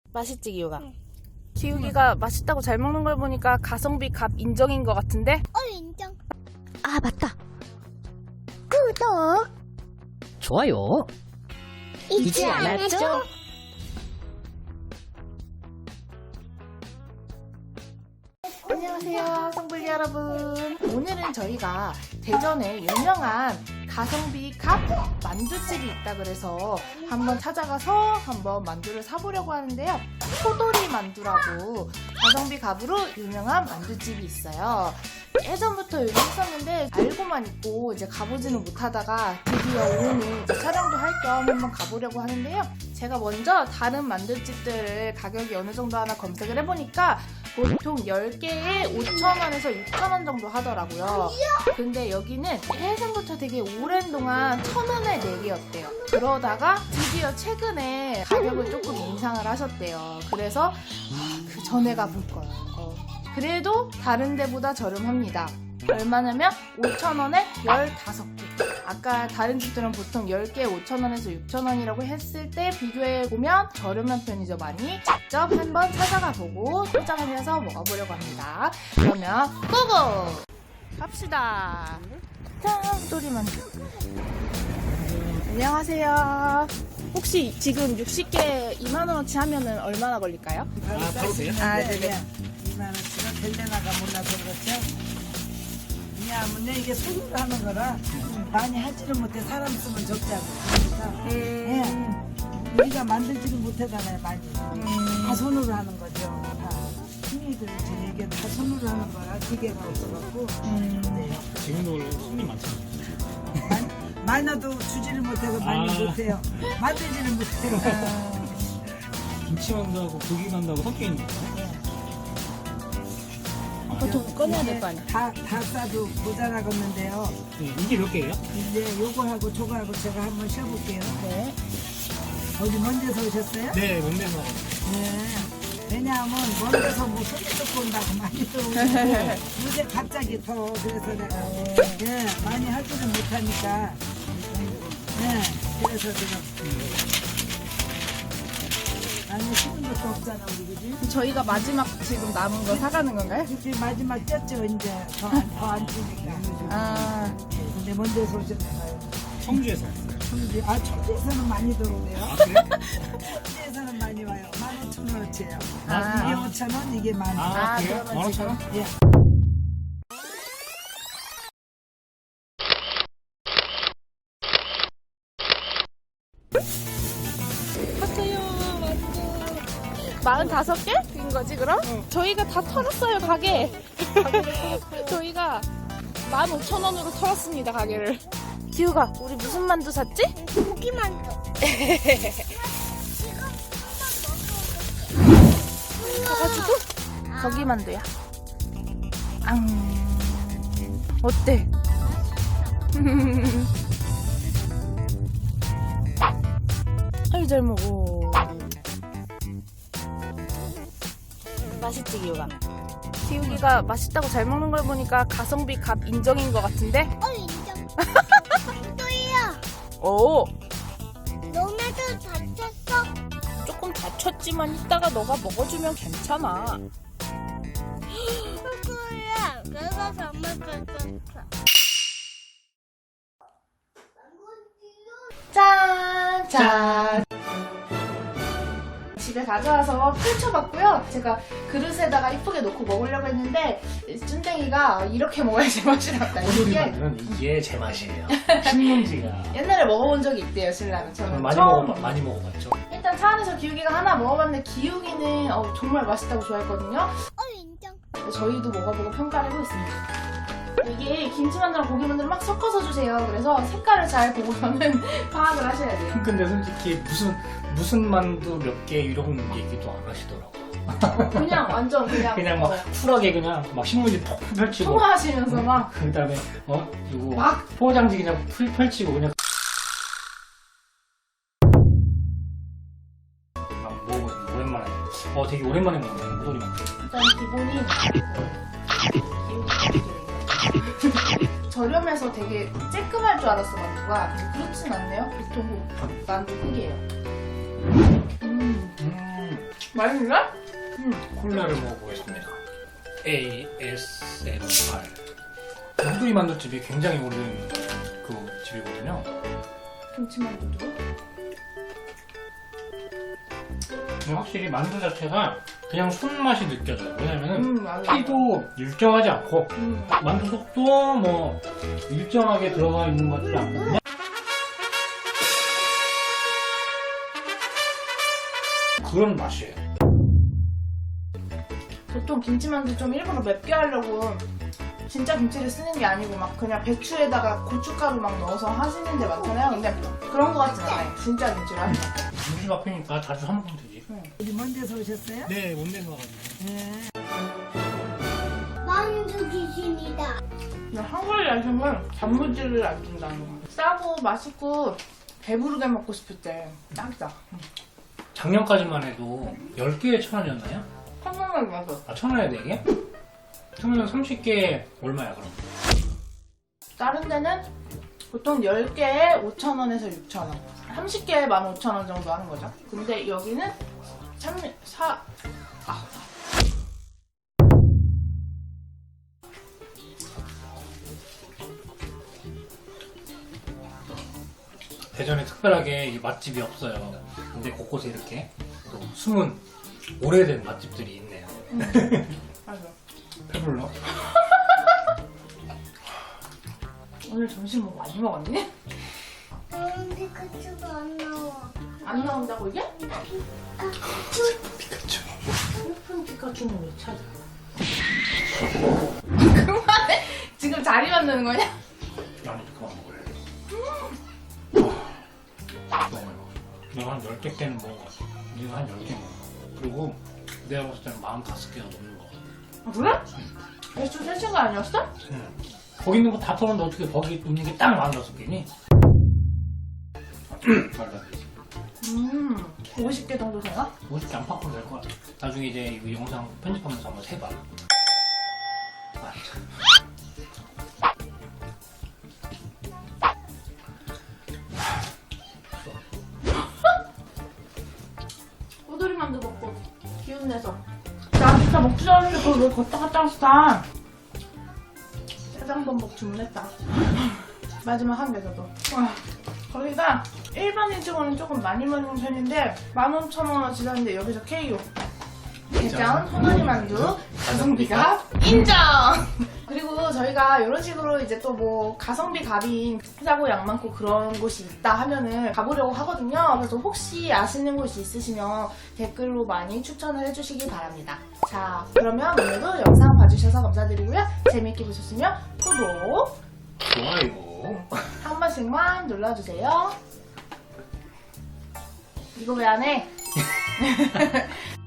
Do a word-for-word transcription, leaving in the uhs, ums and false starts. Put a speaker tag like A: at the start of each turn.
A: 맛있지, 기우가?
B: 응.
A: 기우기가 맛있다고 잘 먹는 걸 보니까 가성비 값 인정인 것 같은데?
B: 어, 인정.
A: 아, 맞다. 구독!
C: 좋아요.
B: 잊지 않았죠?
A: 안녕하세요, 성불리 여러분. 오늘은 저희가 대전에 유명한 가성비 값 만두집이 있다 그래서 한번 찾아가서 한번 만두를 사보려고 하는데요. 소돌이 만두라고 가성비 값으로 유명한 만두집이 있어요. 예전부터 유명했었는데 알고만 있고 이제 가보지는 못하다가 드디어 오늘 이제 촬영도 할 겸 한번 가보려고 하는데요. 제가 먼저 다른 만두집들을 가격이 어느 정도 하나 검색을 해보니까 보통 열 개에 오천 원에서 육천 원 정도 하더라고요. 근데 여기는 예전부터 되게 오랜 동안 천 원에 네 개였대요. 그러다가 드디어 최근에 가격을 조금 인상을 하셨대요. 그래서 그 전에 가볼 거예요. 그래도 다른 데보다 저렴합니다. 얼마냐면 오천 원에 열다섯 개. 아까 다른 집들은 보통 열 개에 오천 원에서 육천 원이라고 했을 때 비교해보면 저렴한 편이죠, 많이. 직접 한번 찾아가 보고 포장을 해서 먹어보려고 합니다. 그러면 고고! 갑시다. 짠! 소리 만두. 안녕하세요. 혹시 지금 육십 개 이만 원어치 하면은 얼마나 걸릴까요?
D: 아, 바로 돼요?
A: 아, 네네.
E: 이만 원씩은 될려나가 몰라서 그렇죠. 왜냐하면 이게 손으로 하는 거라 많이 하지를 못해. 사람 쓰면 적자고. 그러니까
A: 음.
E: 예. 우리가 만들지를 못하잖아요, 많이.
A: 음.
E: 다 손으로 하는 거죠. 다. 힘이들 이게 다 손으로 하는 거라 기계가 없어갖고.
A: 음.
E: 네.
D: 지금도 원래 손이 많잖아요.
E: 많이- 많아도 주지를 못해서 많이
D: 아.
E: 못해요. 만들지를 못해요.
D: 김치만두하고 고기만두하고 섞여 있는 거예요?
A: 보통 꺼내야 될 거 아니야?
E: 다, 다 싸도 모자라겠는데요.
D: 네, 이게 몇 개예요?
E: 이제 요거하고 저거하고 제가 한번 쉬어볼게요.
A: 네.
E: 어디 먼 데서 오셨어요?
D: 네, 뭔데서.
E: 네. 왜냐하면 먼 데서 뭐 소리 듣고 온다고 많이 들어오고 요새 갑자기 더 그래서 내가 예, 많이 하지는 못하니까 네, 그래서 지금 아니 쉬는 것도 없잖아 우리 그지?
A: 저희가 마지막 지금 남은 거 사가는 건가요?
E: 그치 마지막 쪘죠 이제 더안 주니까
A: 아,
E: 근데 먼 데서 오셨나봐요.
D: 청주에서 왔어요.
E: 청주, 아 청주에서는 많이 들어오네요.
D: 아, 그래요?
E: 청주에서는 많이 와요. 만 오천 원어치예요.
A: 아.
E: 이게 오천 원, 이게 만 원.
D: 아,
A: 아,
D: 그래요?
A: 그러면
D: 만 오천 원?
E: 예.
A: 샀어요, 만두. 마흔다섯 개인 거지, 그럼? 저희가 다 털었어요, 가게. 저희가 만 오천 원으로 털었습니다, 가게를. 기우가, 우리 무슨 만두 샀지?
B: 고기만두.
A: 가가지고, 거기 만두야. 앙. 어때? 아유, 잘 먹어. 맛있지, 기우가? 기우기가 맛있다고 잘 먹는 걸 보니까 가성비 값 인정인 것 같은데?
B: 어, 인정. 또이야.
A: 오,
B: 너네도 다쳤어?
A: 조금 다쳤지만 이따가 너가 먹어주면 괜찮아.
B: 그래. 내가 잘못했어.
A: 짠! 짠! 집에 가져와서 펼쳐봤고요. 제가 그릇에다가 이쁘게 놓고 먹으려고 했는데 쭌댕이가 이렇게 먹어야지 맛이 났다.
D: 소돌이
A: 이게
D: 만두는 이게 제 맛이에요. 신문지가.
A: 옛날에 먹어본 적이 있대요, 신랑은. 저는
D: 많이
A: 처음
D: 먹어 많이 먹어봤죠.
A: 일단 차 안에서 기우기가 하나 먹어봤는데 기우기는 어, 정말 맛있다고 좋아했거든요.
B: 어, 인정.
A: 저희도 먹어보고 평가를 해보고 있습니다. 이게 김치만두랑 고기만두를 막 섞어서 주세요. 그래서 색깔을 잘 보고서는 파악을 하셔야 돼요.
D: 근데 솔직히 무슨 무슨 만두 몇 개 이런 얘기도 안 하시더라고요.
A: 어, 그냥 완전 그냥
D: 그냥 막
A: 어,
D: 쿨하게 그냥 막 신문지 푹 펼치고
A: 통화하시면서 막
D: 그 다음에 어 이거
A: 막
D: 포장지 그냥 풀 펼치고 그냥 막 먹어 오랜만에 어 되게 오랜만에 먹네 소돌이 만두.
A: 일단 기본이 저렴해서 되게 쬐끔할 줄 알았어, 만두가. 근데 그렇진 않네요. 보통 만두 크기예요. 음,
D: 음
A: 맛있네? 음.
D: 콜라를 먹어보겠습니다. 에이 에스 엠 알. 양뚜리 만두집이 굉장히 오래된 그 집이거든요.
A: 김치만두도.
D: 근데 확실히 만두 자체가 그냥 손맛이 느껴져요. 왜냐면은
A: 음, 맞아.
D: 피도 일정하지 않고
A: 음.
D: 만두 속도 뭐 일정하게 들어가 있는 것 같지 않거든요. 그런 맛이에요.
A: 보통 김치만두 좀 일부러 맵게 하려고 진짜 김치를 쓰는 게 아니고 막 그냥 배추에다가 고춧가루 막 넣어서 하시는 데 많잖아요. 근데 그런 거 같진 않아요. 진짜 김치로 하는 거.
D: 우리 앞이니까 자주 사 먹으면 되지.
E: 우리 먼 데서 오셨어요?
D: 네, 못낸 거 같아요.
E: 네.
B: 만두 귀신이다.
A: 근데 한국의 야식은 단무지를 안 준다는 거. 싸고 맛있고 배부르게 먹고 싶을 때 딱이다.
D: 작년까지만 해도 열 개에 천 원이었나요?
A: 한국만 먹어.
D: 아, 천 원에 네 개? 그러면 삼십 개에 얼마야, 그럼?
A: 다른 데는 보통 열 개에 오천 원에서 육천 원. 삼십 개에 만 오천 원 정도 하는 거죠. 근데 여기는 삼, 사, 아.
D: 대전에 특별하게 이 맛집이 없어요. 근데 곳곳에 이렇게 또 숨은 오래된 맛집들이 있네요.
A: 맞아.
D: 배불러?
A: 오늘 점심 뭐 많이 먹었니?
B: 음, 피카츄가 안 나와.
A: 안 나온다고 이게?
D: 피카츄.
A: 예쁜 피카츄는 왜 찾아? 그만해! 지금 자리 만드는 거냐?
D: 나는 그만 먹을래. 아, 너무 많이 먹어. 내가 한 열 개 때는 먹은 것 같아. 네가 한 열 개 먹어. 그리고 내가 봤을 때는 마흔다섯 개가 넘는 거 같아.
A: 아, 그래? 배추 세 시간 아니었어?
D: 응. 거기 있는 거 다 털었는데 어떻게 거기 있는 게 딱 마흔다섯 개니? 말도 안 되지.
A: 음, 오십 개 정도 되나?
D: 오십 개 안팎으로 될 것 같아. 나중에 이제 이 영상 편집하면서 한번 세봐. 아, 참.
A: 꼬돌이 만두 먹고 기운 내서. 나 진짜 먹지도 않는데 그걸 왜 걷다 갔다 왔어? 짜장범벅 주문했다. 마지막 한 개 더도. 와, 거기가 일반인 치고는 조금 많이 먹는 편인데 만 오천 원어치 하는데 여기서 케이오. 대전 호돌이 만두 가성비가 인정! 그리고 저희가 이런 식으로 이제 또 뭐 가성비 갑인 싸고 양 많고 그런 곳이 있다 하면은 가보려고 하거든요. 그래서 혹시 아시는 곳이 있으시면 댓글로 많이 추천을 해주시기 바랍니다. 자, 그러면 오늘도 영상 봐주셔서 감사드리고요. 재밌게 보셨으면 구독
D: 좋아요.
A: 한 번씩만 눌러주세요. 이거 왜 안 해?